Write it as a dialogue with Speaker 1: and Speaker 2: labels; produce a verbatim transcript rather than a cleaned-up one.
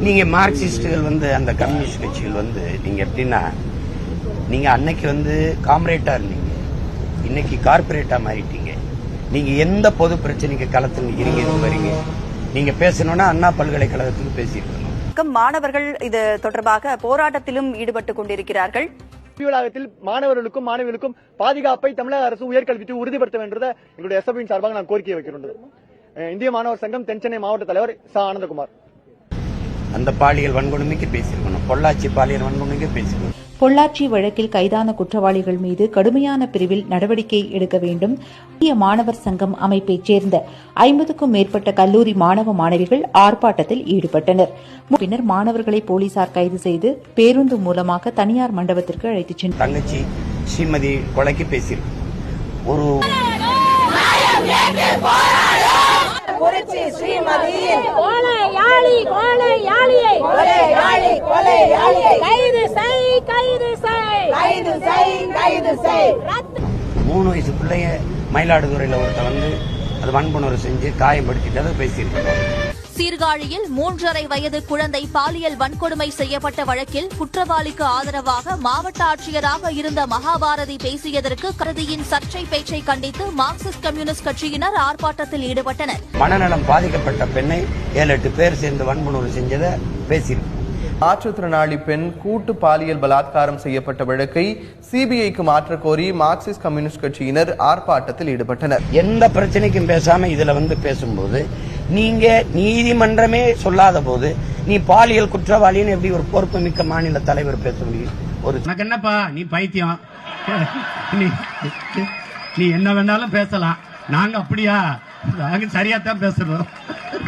Speaker 1: நீங்க மார்க்சிஸ்டுகள் வந்து அந்த கம்யூனிஸ்ட் கட்சிகள் வந்து நீங்க எப்படின்னா நீங்க அன்னைக்கு வந்து காம்ரேட்டா இருந்தீங்க, இன்னைக்கு கார்பரேட்டா மாறிட்டீங்க. நீங்க எந்த பொது பிரச்சனைக்கு களத்தில் நிக்கிறீங்க வரீங்க, நீங்க பேசணும்னா அண்ணா பல்கலைக்கழகத்துக்கு பேசியிருக்கணும்.
Speaker 2: மாணவர்கள் இது தொடர்பாக போராட்டத்திலும் ஈடுபட்டுக் கொண்டிருக்கிறார்கள்.
Speaker 3: வளாகத்தில் மாணவர்களுக்கும் மாணவிகளுக்கும் பாதுகாப்பை தமிழக அரசு உயர்கல்வித்துறை உறுதிப்படுத்த வேண்டியது எங்களுடைய எஸ்எஃபின் சார்பாக நான் கோரிக்கை வைக்கிறோம். இந்திய மாணவர் சங்கம் தென்சென்னை மாவட்ட தலைவர் ச ஆனந்தகுமார்.
Speaker 1: அந்த பாலியல் வன்கொடுமைக்கு பேசியிருக்கணும், பொள்ளாச்சி பாலியல் வன்கொடுமைக்கு பேசியிருக்கணும்.
Speaker 4: பொள்ளாச்சி வழக்கில் கைதான குற்றவாளிகள் மீது கடுமையான பிரிவில் நடவடிக்கை எடுக்க வேண்டும். இந்திய மாணவர் சங்கம் அமைப்பைச் சேர்ந்த ஐம்பதுக்கும் மேற்பட்ட கல்லூரி மாணவ மாணவிகள் ஆர்ப்பாட்டத்தில் ஈடுபட்டனர். பின்னர் மாணவர்களை போலீசார் கைது செய்து பேருந்து மூலமாக தனியார் மண்டபத்திற்கு அழைத்துச் சென்றனர்.
Speaker 1: தங்கச்சி ஸ்ரீமதி கொலைக்கு பேசியிருக்கணும். ஒரு
Speaker 5: குறிச்சி ஸ்ரீமதியின் கொலையாளி கொலையாளியை கொலையாளி கொலையாளியை கைது செய் கைது செய் கைது செய் கைது செய்.
Speaker 1: மூணு வயசு பிள்ளைய மயிலாடுதுறையில ஒருத்த வந்து அது வன்புணர்வு செஞ்சு காயப்படுத்திட்டு பேசியிருக்கணும்.
Speaker 6: சீர்காழியில் மூன்றரை வயது குழந்தை பாலியல் வன்கொடுமை செய்யப்பட்ட வழக்கில் குற்றவாளிக்கு ஆதரவாக மாவட்ட ஆட்சியராக இருந்த மகாபாரதி பேசியதற்கு கருதியின் சர்ச்சை பேச்சை கண்டித்து மார்க்சிஸ்ட் கம்யூனிஸ்ட் கட்சியினர் ஆர்ப்பாட்டத்தில் ஈடுபட்டனர்.
Speaker 1: மனநலம் பாதிக்கப்பட்ட பெண்ணை ஏழு எட்டு பேர் சேர்ந்து வன்புணர்வு செஞ்சதை பேசியிருக்கோம்.
Speaker 7: மாற்றுத்திறனாளி பெண் கூட்டு பாலியல் பலாத்காரம் செய்யப்பட்ட வழக்கை சிபிஐக்கு மாற்ற கோரி மார்க்சிஸ்ட் கம்யூனிஸ்ட் கட்சியினர் ஆர்ப்பாட்டத்தில் ஈடுபட்டனர்.
Speaker 1: எந்த பிரச்சனைக்கும் பேசாம இதுல வந்து பேசும்போது நீங்க நீதிமன்றமே சொல்லாத போது நீ பாலியல் குற்றவாளின்னு எப்படி ஒரு பொறுப்பு மிக்க மாநில தலைவர் பேச முடியும்? ஒரு
Speaker 8: என்னப்பா நீ பைத்தியம், நீ என்ன வேணாலும் பேசலாம், நாங்க அப்படியா? நாங்க சரியா தான் பேசுறோம்.